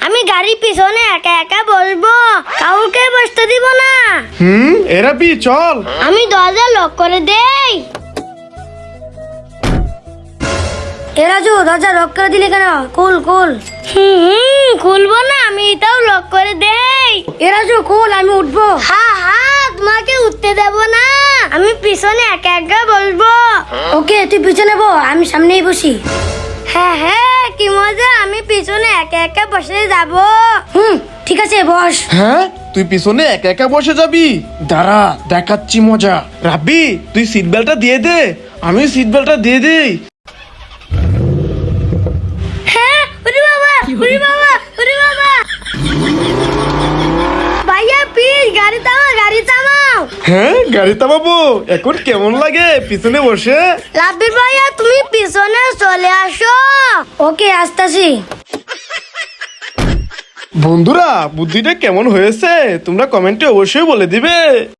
আমি গাড়ির পিছনে একা একা বসবো, কাউকে বসতে দিব না। রাব্বি চল। আমি দরজা লক করে দেই। রাজু দরজা লক করে দিলে কেন? কুল খুলবো না, আমি এটাও লক করে দেই। রাজু কুল, আমি উঠবো। তোমাকে উঠতে দেব না, আমি পিছনে একা একা বসবো। ওকে তুই পিছনে বো, আমি সামনেই বসি। হ্যাঁ কি মজা, আমি পিছনে একা একা বসে যাব। ঠিক আছে বস। হ্যাঁ তুই পিছনে একা একা বসে যাবি? দাঁড়া দেখাচ্ছি মজা। রাব্বি তুই সিট বেল্টটা দিয়ে দে, আমি সিট বেল্টটা দিয়ে দেই। ওরে বাবা ভাইয়া প্লিজ গাড়ি থামাও। হ্যাঁ গাড়ি থামাবো? এখন কেমন লাগে পিছনে বসে? রাব্বির ভাইয়া তুমি পিছনে চলে আসো। ওকে আসতাছি। বন্ধুরা বুদ্ধিটা কেমন হয়েছে তোমরা কমেন্টে অবশ্যই বলে দিবে।